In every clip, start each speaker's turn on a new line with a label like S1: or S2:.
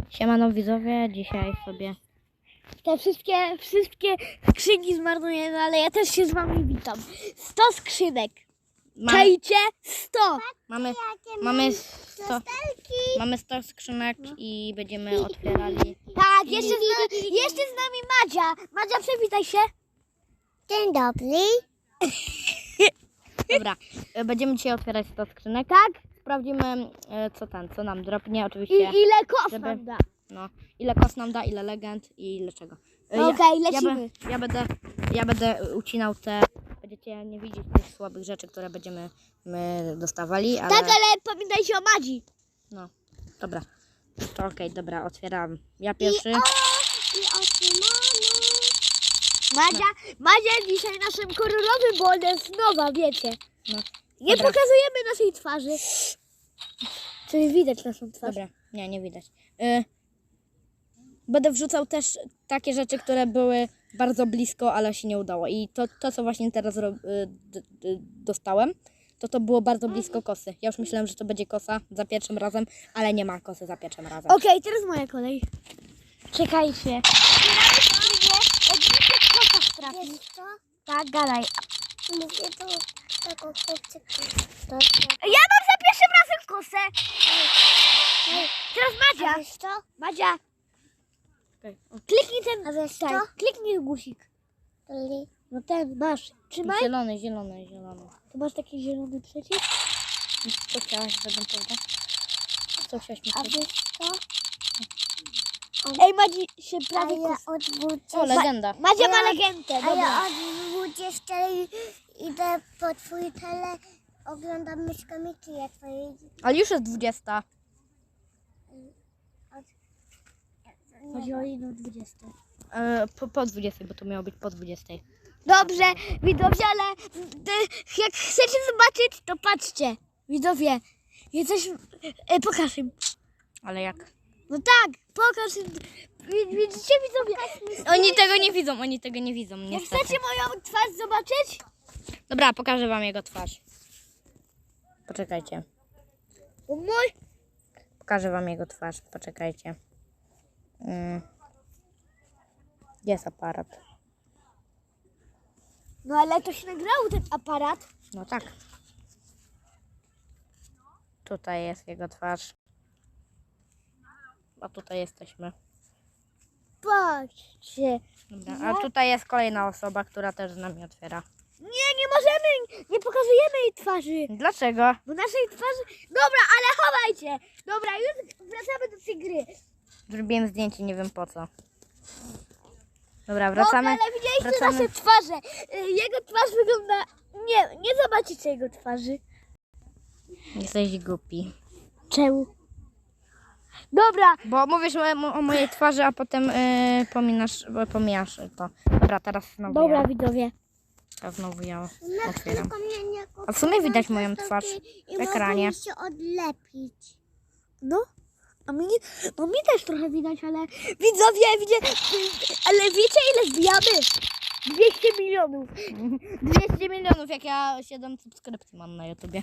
S1: Siemano widzowie, dzisiaj sobie...
S2: Te wszystkie skrzynki zmarnujemy, ale ja też się z wami witam. 100 skrzynek. Czajcie? 100.
S1: Mamy 100 skrzynek i będziemy otwierali.
S2: Tak, jeszcze z nami Madzia. Madzia, przywitaj się. Dzień dobry.
S1: Dobra, będziemy dzisiaj otwierać 100 skrzynek.
S2: Tak?
S1: Sprawdzimy co nam dropnie oczywiście.
S2: Ile kos
S1: żeby-
S2: nam da?
S1: No, ile kos nam da, ile legend i ile czego.
S2: Okej, lecimy.
S1: Ja będę ucinał te... Będziecie nie widzieć tych słabych rzeczy, które będziemy dostawali, ale...
S2: Tak, ale pamiętajcie o Madzi.
S1: No, dobra. To okej, dobra, otwieram. Ja pierwszy.
S2: I Madzia dzisiaj naszym kolorowym, bo ona jest nowa, wiecie.
S1: No,
S2: Nie
S1: dobra.
S2: pokazujemy naszej twarzy. Czyli widać naszą twarz.
S1: Dobra, nie widać. Będę wrzucał też takie rzeczy, które były bardzo blisko, ale się nie udało. I to co właśnie teraz dostałem, to było bardzo blisko kosy. Ja już myślałem, że to będzie kosa za pierwszym razem, ale nie ma kosy za pierwszym razem.
S2: Okej, teraz moja kolej. Czekajcie. Wiesz co? Tak, gadaj.
S3: Mówię do tego chłopczyka.
S2: Ja mam za pierwszym razem kosę. Teraz Madzia.
S3: Wiesz co?
S2: Madzia,
S1: Okay.
S2: kliknij ten.
S3: A wiesz co?
S2: Kliknij guzik.
S3: Li-
S2: No ten, masz. Trzymaj.
S1: Zielony.
S2: Tu masz taki zielony przycisk.
S1: Co chciałaś, żebym powiedział? Co chciałaś mi
S3: A
S1: powiedzieć?
S3: wiesz co?
S2: Ej, Madzi się
S3: A
S2: prawie
S3: ja
S2: kos.
S3: od 20...
S1: O, legenda.
S2: Madzia
S3: a
S2: ma
S3: ja-
S2: legendę,
S3: A
S2: dobra.
S3: ja od 20 idę po twój tele, oglądam myszkę Miki, ja twojej...
S1: Ale już jest 20.
S2: Chodzi o inną 20.
S1: Po 20, bo to miało być po 20.
S2: Dobrze, widzowie, ale jak chcecie zobaczyć, to patrzcie. Widzowie, jesteś... pokaż im.
S1: Ale jak?
S2: No tak, pokaż im. Widzicie, widzowie?
S1: Oni tego nie widzą,
S2: Jak
S1: niestety.
S2: chcecie moją twarz zobaczyć?
S1: Dobra, pokażę wam jego twarz. Poczekajcie.
S2: Mój.
S1: Pokażę wam jego twarz, poczekajcie. Jest aparat.
S2: No ale to się nagrało, ten aparat.
S1: No tak. Tutaj jest jego twarz. A tutaj jesteśmy.
S2: Patrzcie.
S1: Dobra, a tutaj jest kolejna osoba, która też z nami otwiera.
S2: Nie możemy, nie pokazujemy jej twarzy.
S1: Dlaczego?
S2: Bo naszej twarzy... Dobra, ale chowajcie. Dobra, już wracamy do tej gry.
S1: Zrobiłem zdjęcie, nie wiem po co. Dobra, wracamy.
S2: Dobra, ale widzieliście
S1: wracamy.
S2: nasze twarze. Jego twarz wygląda... Nie zobaczycie jego twarzy.
S1: Jesteś głupi.
S2: Czemu? Dobra,
S1: Bo mówisz o mojej twarzy, a potem pomijasz to. Dobra, teraz znowu
S2: dobra
S1: ja.
S2: widzowie.
S1: A znowu ja
S3: No,
S1: otwieram.
S3: tylko mnie nie
S1: A w sumie widać moją twarz
S3: i
S1: w ekranie.
S3: mogą się odlepić.
S2: No, a mnie, no mi też trochę widać, ale widzowie, ale wiecie ile zbijamy? 200 milionów.
S1: 200 milionów, jak ja 7 subskrypcji mam na YouTubie.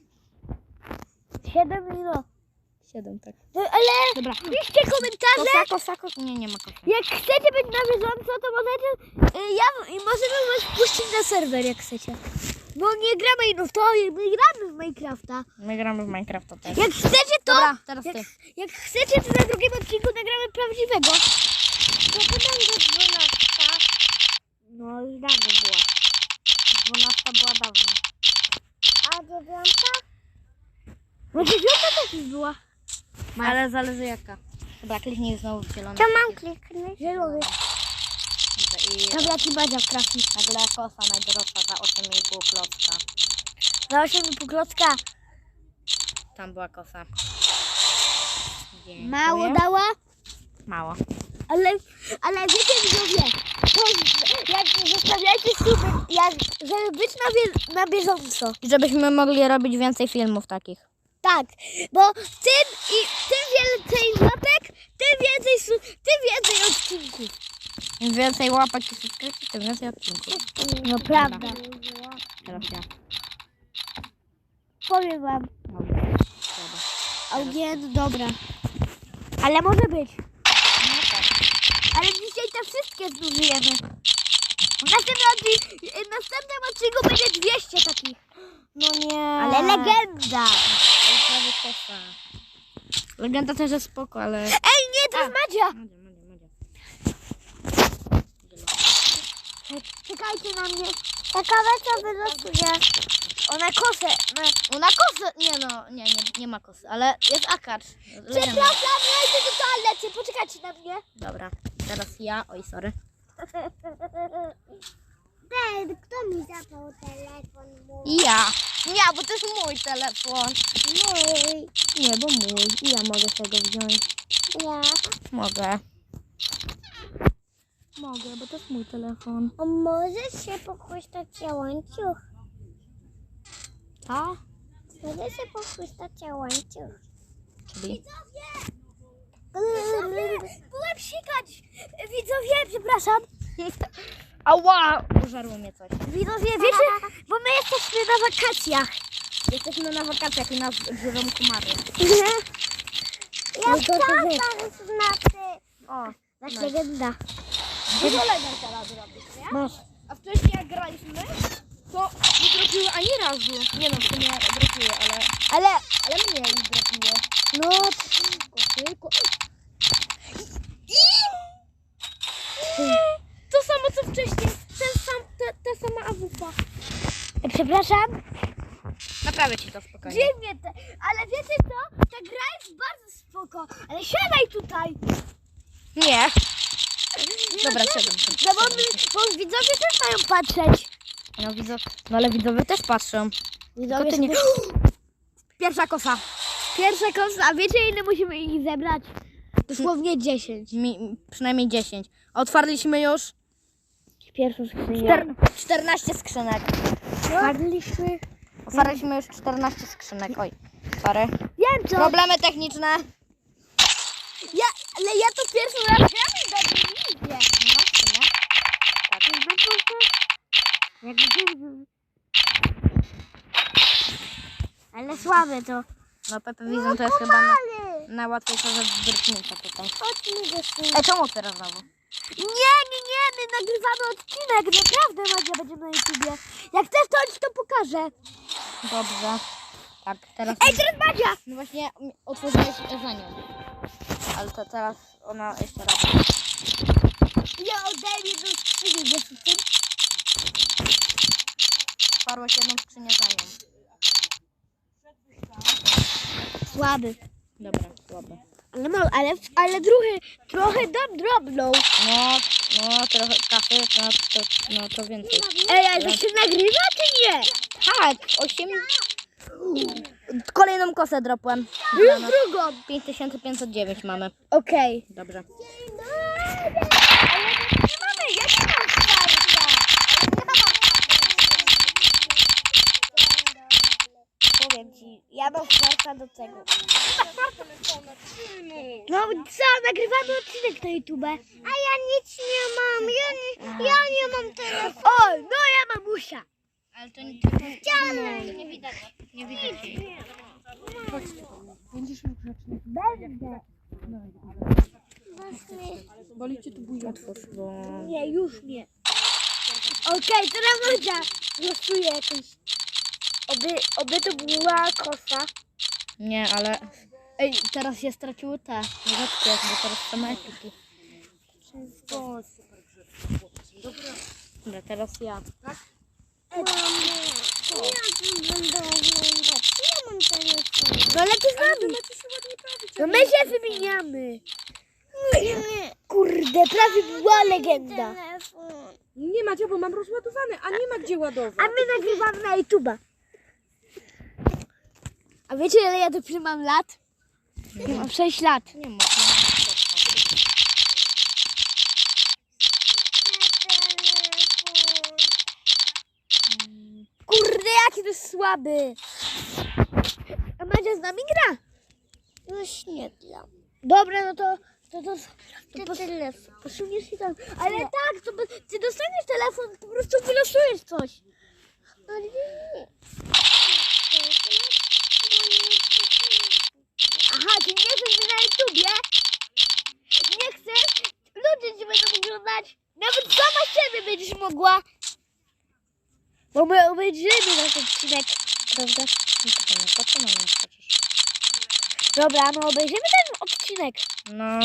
S2: 7 milionów.
S1: 7, tak.
S2: No, ale
S1: Dobra.
S2: piszcie komentarze.
S1: Kosa. Nie ma kosa.
S2: Jak chcecie być na bieżąco, to możecie, możemy was puścić na serwer, jak chcecie. Bo nie gramy, no to my gramy w Minecrafta.
S1: My gramy w Minecrafta też.
S2: Jak chcecie to,
S1: Dobra, teraz ty.
S2: jak chcecie, to na drugim odcinku nagramy prawdziwego.
S3: To będzie 12.
S2: No już dawno była.
S1: 12 była dawno.
S3: A 9?
S2: No 9 też już była.
S1: Ale zależy jaka. Dobra, kliknij znowu w zielony.
S3: To mam kliknąć.
S2: Zielony.
S1: I
S2: Dobra, ci Badzia trafi.
S1: nagle kosa najdroższa za 8,5 klocka.
S2: Za 8,5 klocka.
S1: Tam była kosa. Dziękuję.
S2: Mało dała.
S1: Mało.
S2: Ale wiecie widzowie, to jak zostawiajcie suby, żeby być na bieżąco.
S1: I żebyśmy mogli robić więcej filmów takich.
S2: Tak, bo tym więcej łapek, tym więcej odcinków.
S1: Im więcej łapek i subskrypcji, tym więcej odcinków.
S2: No prawda.
S1: Teraz ja.
S2: Powiem wam.
S1: Dobra.
S2: Augien, dobra. Ale może być.
S1: No tak.
S2: Ale dzisiaj te wszystkie zużyjemy. W następnym odcinku będzie 200 takich.
S1: No nie.
S2: Ale legenda.
S1: To jest prawie kosa. Legenda też jest spoko, ale...
S2: Ej, nie, to jest Madzia.
S1: Madzia.
S2: Czekajcie na mnie.
S3: Ciekawe co wylosuje.
S2: Ona kosę.
S1: Ona kosę... Nie ma kosy, ale jest akacz. Legenda.
S2: Przepraszam, ja idę do toalety. Poczekajcie na mnie.
S1: Dobra, teraz ja... Oj, sorry.
S3: Ten, kto mi zabrał telefon mój?
S1: Ja, bo to jest mój telefon.
S3: Mój.
S1: Nie, bo mój. I ja mogę tego wziąć.
S3: Ja.
S1: Mogę, bo to jest mój telefon.
S3: A możesz się pochłystać łańcuch?
S1: Co?
S3: Możesz się pochłystać łańcuch?
S1: Czyli...
S2: Byłem sikać. Widzowie, przepraszam.
S1: Ała! Użarło mnie coś.
S2: Widzowie, wiecie, bo my jesteśmy na wakacjach.
S1: Jesteśmy na wakacjach i nas żyrą komary.
S3: Ja chciałam znaczy.
S1: O,
S2: Nasza legenda.
S1: dużo legend teraz robisz, nie?
S2: Masz.
S1: A wcześniej jak graliśmy, to nie dropiły ani razu. Nie no, w sumie dropiły, ale mnie ich dropiło.
S2: No,
S1: Tylko. To samo co wcześniej. Ta sama awupa.
S2: przepraszam.
S1: Naprawię ci to spokojnie.
S2: Dziwnie te, ale wiecie co? Ta gra jest bardzo spoko. Ale siadaj tutaj.
S1: Nie. Dobra, siadam.
S2: No bo widzowie też mają patrzeć.
S1: No ale widzowie też patrzą.
S2: Widzowie
S1: ty nie- Pierwsza kosa.
S2: Pierwsza kosa, a wiecie ile musimy ich zebrać? Dosłownie 10.
S1: Przynajmniej 10. Otwarliśmy już
S2: Pierwszą skrzynię.
S1: 14 skrzynek.
S2: Otwarliśmy.
S1: Otwarliśmy już 14 skrzynek. Oj, sorry.
S2: Wiem co.
S1: Problemy techniczne.
S2: Ale ja to pierwszy raz gram i dobrze nie idzie.
S1: No, w sumie.
S2: Ale słabe to.
S1: No Pepe Vision to jest chyba najłatwiejsza rzecz z drgnięcia tutaj.
S3: Chodź mi do syna.
S1: Czemu otwierasz znowu?
S2: Nie, my nagrywamy odcinek. Naprawdę Madzia będzie na YouTubie. Jak chcesz to ci to pokażę.
S1: Dobrze. Tak, teraz...
S2: Ej, teraz Madzia.
S1: No właśnie otworzyłeś za nią. Ale to teraz ona jeszcze raz.
S2: Ja oddaję jedną skrzynię, wiesz o tym?
S1: Otwarłeś jedną skrzynię za nią.
S2: Słaby.
S1: Dobra, słabe.
S2: Ale trochę dam drobną.
S1: No trochę kasy, no to więcej.
S2: Ej, ale to się nagrywa czy nie?
S1: Tak, 8... Kolejną kosę dropłem.
S2: Już drugą.
S1: 5509 mamy.
S2: Okej.
S1: Dobrze.
S2: Ale nie mamy, ja nie mam starcia. Powiem ci, ja mam starca do tego. No co, nagrywamy odcinek na YouTube.
S3: A ja nic nie mam. Ja nie mam telefonu.
S2: O, no ja mam usia.
S1: Ale to nie widać. Nie widać.
S2: Będę.
S1: Otwórz, bo...
S2: Nie, już nie. Okej, teraz Madzia losuję jakąś. Oby to była kosa.
S1: Nie, ale... Ej, teraz się straciły te rzeczki, bo teraz same ekipy. Dobra, teraz ja.
S3: Ja będę oglądać. Ja mam telefon.
S2: No ale ty z nami. No my się wymieniamy. Kurde, prawie była legenda.
S3: Telefon.
S4: Nie Madzia, bo mam rozładowany, a nie ma gdzie ładować.
S2: A my nagrywamy na YouTube'a. A wiecie ile ja dopiero mam lat? Ja mam 6 lat.
S1: Nie można.
S2: Kurde, jaki to jest słaby. A Madzia z nami gra.
S3: Już nie gram.
S2: Dobra, no to
S3: Telefon.
S2: posuniesz się tam. Ale tak, to ty dostaniesz telefon, po prostu wylosujesz coś.
S3: Ale nie.
S2: Aha, ty nie jesteś na YouTubie? będą oglądać. Nawet sama siebie będziesz mogła. Bo my obejrzymy nasz odcinek, prawda?
S1: Po co na mnie patrzysz?
S2: Dobra, no obejrzymy ten odcinek.
S1: No,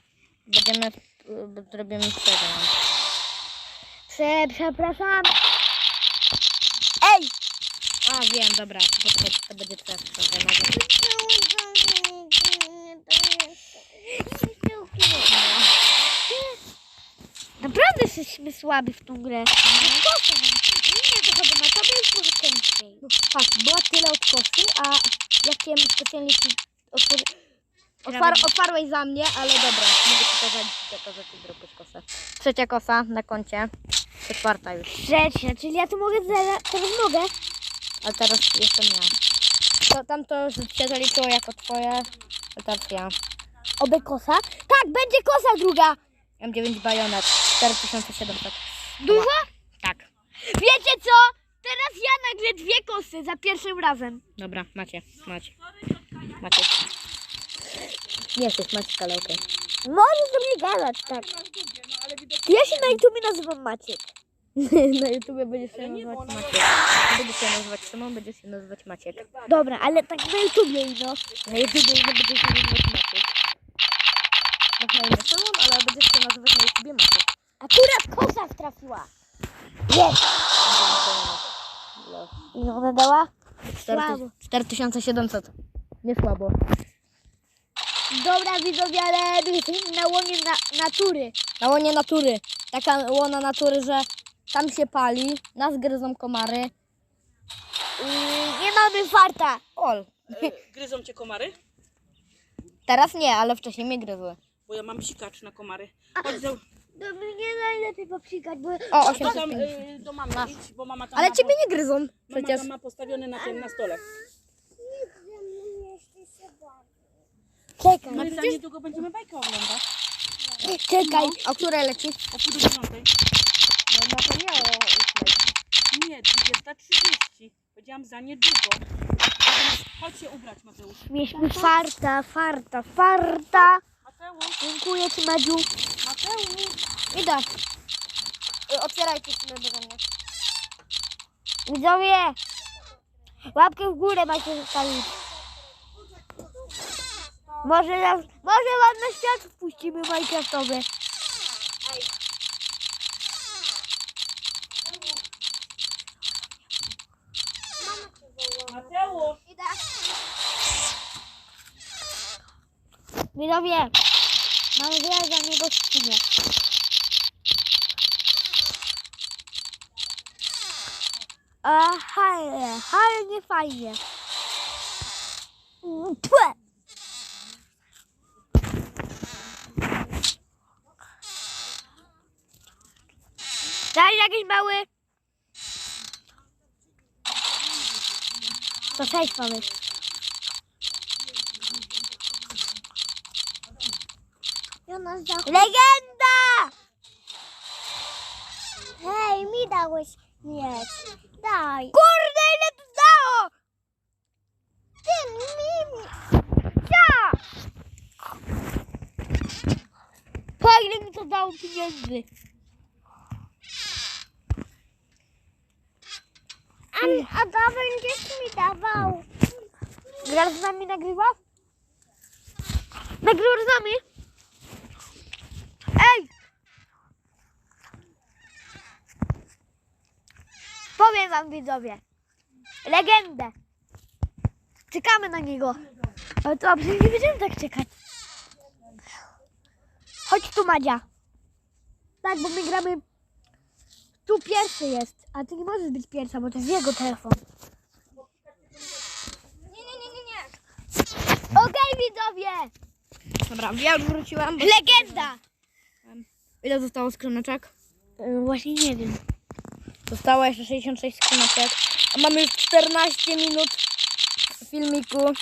S1: zrobimy przegląd.
S2: Przepraszam. Ej!
S1: A, wiem, dobra, to będzie twoja sprawa.
S2: Naprawdę jesteśmy słabi w tą grę. Nie, to chyba na tobie jest trochę ciężej.
S1: Tak, była tyle od kosy, a ja chciałem specjalnie ci otwarłeś za mnie, ale dobra, mogę ci pokazać, że ty zrobisz kosę. Trzecia kosa na koncie, czwarta już,
S2: Trzecia, czyli ja tu mogę teraz mogę.
S1: a teraz jestem ja. Tamto się zaliczyło jako twoje, a teraz ja.
S2: Oby kosa? Tak, będzie kosa druga.
S1: M9 bajonet, 4700.
S2: Dużo?
S1: Tak,
S2: Wiecie co? Teraz ja nagle 2 kosy za pierwszym razem.
S1: dobra, macie. Nie jesteś Maciek, ale okej.
S2: Możesz do mnie gadać, tak. Ja się na YouTubie nazywam Maciek.
S1: Na YouTubie będziesz się nazywać Maciek. Będziesz się nazywać Szymon, będziesz się nazywać Maciek.
S2: Dobra, ale tak na YouTubie no.
S1: Na YouTubie nie będziesz się nazywać Maciek. Masz na imię Szymon, ale będziesz się nazywać na YouTubie Maciek.
S2: Akurat kosa trafiła. Jest. Ile ona dała? Słabo.
S1: 4700. Nie słabo.
S2: Dobra widzowie, ale my jesteśmy na łonie natury.
S1: Na łonie natury. Taka łona natury, że tam się pali, nas gryzą komary.
S2: Nie mamy farta.
S1: Ol.
S4: Gryzą cię komary?
S1: Teraz nie, ale wcześniej mnie gryzły.
S4: Bo ja mam psikacz na komary. Chodź
S2: No mnie najlepiej popsikać, bo...
S1: O,
S4: tam
S1: 850.
S4: do mamy idź, bo mama tam
S1: Ale
S4: ma,
S1: ciebie nie gryzą
S4: mama
S1: przecież.
S4: tam ma postawiony na stole.
S2: Czekaj,
S4: No i za niedługo będziemy bajkę oglądać.
S2: czekaj.
S1: O której leci?
S4: O 9:30.
S1: No to nie o 8.
S4: Nie, 20:30. Powiedziałam za niedługo. Chodź się ubrać, Mateusz.
S2: Mieliśmy farta.
S4: Mateusz,
S2: Dziękuję ci, Madziu.
S4: Mateusz.
S1: Idę. Otwierajcie sobie beze mnie.
S2: Widzowie, łapkę w górę macie zostawić. Może wam na świat wpuścimy Minecraftowy.
S4: Mateusz.
S2: Widzowie, mamy wiele za niego skrzynię. Ale nie fajnie. Tłe. Daj jakiś mały. To 6 mamy.
S3: Jonasz za...
S2: Legenda!
S3: Hej, mi dałeś mieć. Daj.
S2: Kurde, ile to dało!
S3: Ty mi...
S2: Ja! Po ile mi to dało pieniędzy?
S3: A to będziesz mi dawał.
S2: Grasz z nami nagrywa? Nagrywasz z nami? Ej! Powiem wam widzowie. Legendę. Czekamy na niego. Ale to przecież nie będziemy tak czekać. Chodź tu, Madzia. Tak, bo my gramy... Tu pierwszy jest, a ty nie możesz być pierwsza, bo to jest jego telefon. Nie. Okej, widzowie.
S1: Dobra, ja już wróciłam.
S2: Legenda.
S1: Ile zostało skrzyneczek?
S2: Właśnie nie wiem.
S1: Zostało jeszcze 66 skrzyneczek. A mamy już 14 minut filmiku.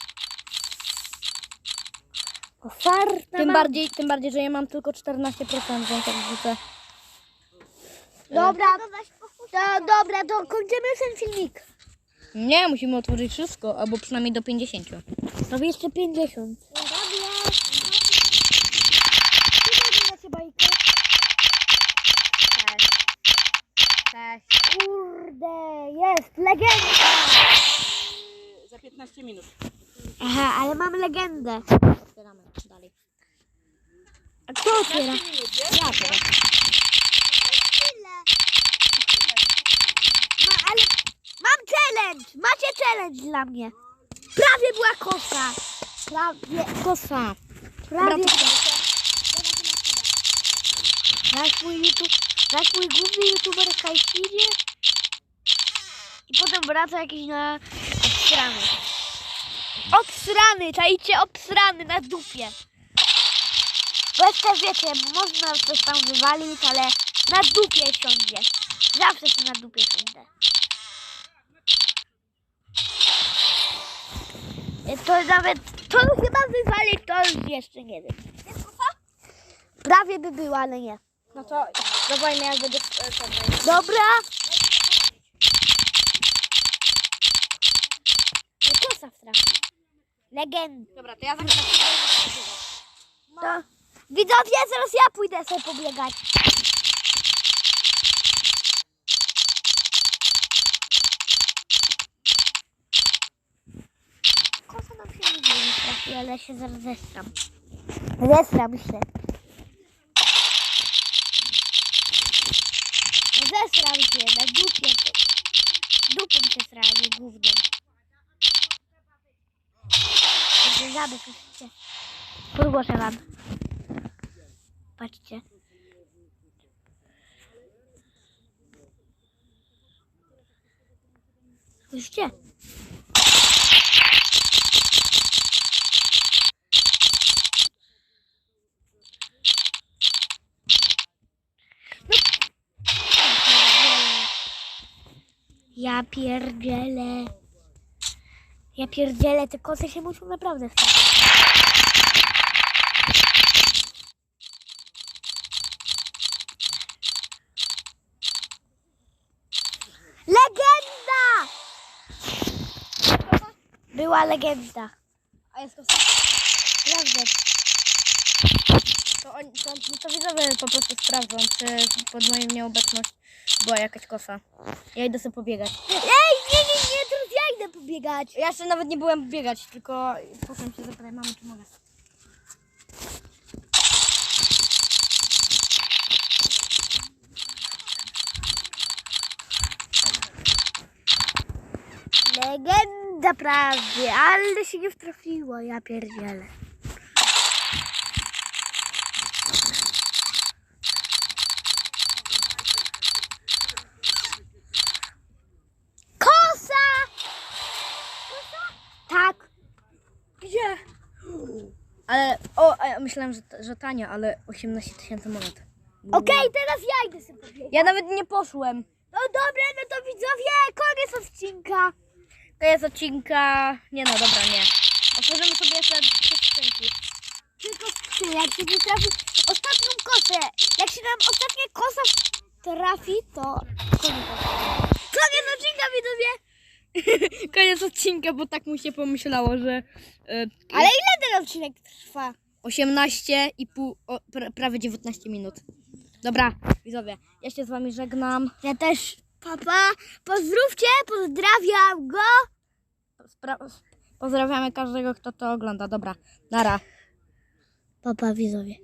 S2: Farta
S1: Tym bardziej, że ja mam tylko 14%, więc tak wrzucę.
S2: Dobra, to kończymy ten filmik.
S1: Nie, musimy otworzyć wszystko, albo przynajmniej do 50.
S2: To jeszcze 50.
S3: Dobra.
S2: Macie bajkę? kurde, jest, legenda.
S4: Za 15 minut.
S2: Aha, ale mam legendę.
S1: Otwieramy dalej.
S2: A kto otwiera?
S4: 15 minut, wiesz?
S1: Ja teraz.
S2: Ale mam challenge! Macie challenge dla mnie. Prawie była kosa. Prawie
S1: Kosa.
S2: Prawie.
S1: Dobra,
S2: Nasz mój główny youtuber Kajfidzie i potem wraca jakiś na obsrany. Obsrany, czajcie, obsrany na dupie. Bo jeszcze wiecie, można coś tam wywalić, ale na dupie siądzie. Zawsze się na dupie siądę. To nawet, to chyba wywalić, to już jeszcze nie wiem. Prawie by było, ale nie.
S1: No to dawajmy jak będzie
S2: Dobra. No kosa trafi. Legenda.
S1: Dobra, to ja zacznę.
S2: To... Widzowie, zaraz ja pójdę sobie pobiegać. Kosa nam się nie trafi, ale się zaraz zestram. Zestram się. Zesram się, na dupie. Dupą się sranie, gównem. Także żaby, słyszycie? Podgłoszę wam. Patrzcie. Słyszycie? Ja pierdzielę. Ja pierdzielę, te koty się muszą naprawdę stać. Legenda! Była legenda.
S1: A jest kosa?
S2: Prawda.
S1: To widzowie po prostu sprawdzą, czy pod moją nieobecność była jakaś kosa. Ja idę sobie pobiegać.
S2: Ej, nie, teraz ja idę pobiegać.
S1: Ja jeszcze nawet nie byłem biegać, tylko potem się zapytaj mamy, czy mogę.
S2: Legenda prawie, ale się nie wtrafiło, ja pierdzielę. Kosa! Kosa? Tak.
S1: Gdzie? Ale, a ja myślałem, że tania, ale 18 000 monet.
S2: Okej, teraz ja idę sobie pobiegać.
S1: Ja nawet nie poszłem.
S2: No dobra, no to widzowie, koniec odcinka.
S1: Koniec odcinka. Nie no, dobra, nie. Otworzymy sobie jeszcze 3 skrzynki.
S2: Tylko trzy, jak się nie trafi ostatnią kosę. Jak się nam ostatnia kosa trafi, to koniec. Koniec odcinka, widzowie.
S1: Koniec odcinka, bo tak mu się pomyślało, że
S2: Ale ile ten odcinek trwa?
S1: 18,5, prawie 19 minut. Dobra, widzowie, ja się z wami żegnam.
S2: Ja też, papa. Pozdrówcie, pozdrawiam go.
S1: Pozdrawiamy każdego, kto to ogląda. Dobra, nara.
S2: Papa, widzowie.